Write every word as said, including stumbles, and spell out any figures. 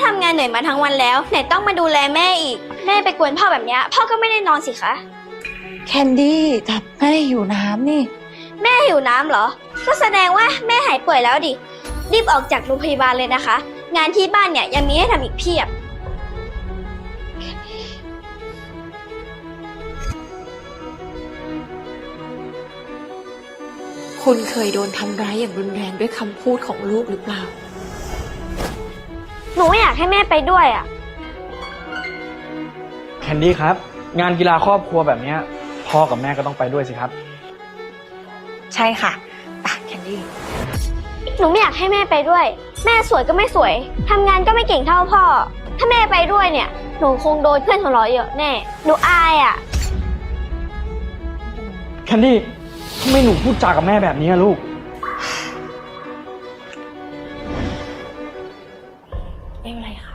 ทำงานเหนื่อยมาทั้งวันแล้วไหนต้องมาดูแลแม่อีกแม่ไปกวนพ่อแบบนี้พ่อก็ไม่ได้นอนสิคะแคนดี้แต่แม่หิวน้ำนี่แม่หิวน้ำเหรอก็แสดงว่าแม่หายป่วยแล้วดิรีบออกจากโรงพยาบาลเลยนะคะงานที่บ้านเนี่ยยังมีให้ทำอีกเพียบคุณเคยโดนทำร้ายอย่างรุนแรงด้วยคำพูดของลูกหรือเปล่าหนูไม่อยากให้แม่ไปด้วยอ่ะแคนดี้ครับงานกีฬาครอบครัวแบบนี้พ่อกับแม่ก็ต้องไปด้วยสิครับใช่ค่ะปะแคนดี้หนูไม่อยากให้แม่ไปด้วยแม่สวยก็ไม่สวยทำงานก็ไม่เก่งเท่าพ่อถ้าแม่ไปด้วยเนี่ยหนูคงโดนเพื่อนหัวเราะเยอะแน่หนูอายอ่ะแคนดี้ทำไมหนูพูดจากับแม่แบบนี้ลูกไม่เป็นไรค่ะ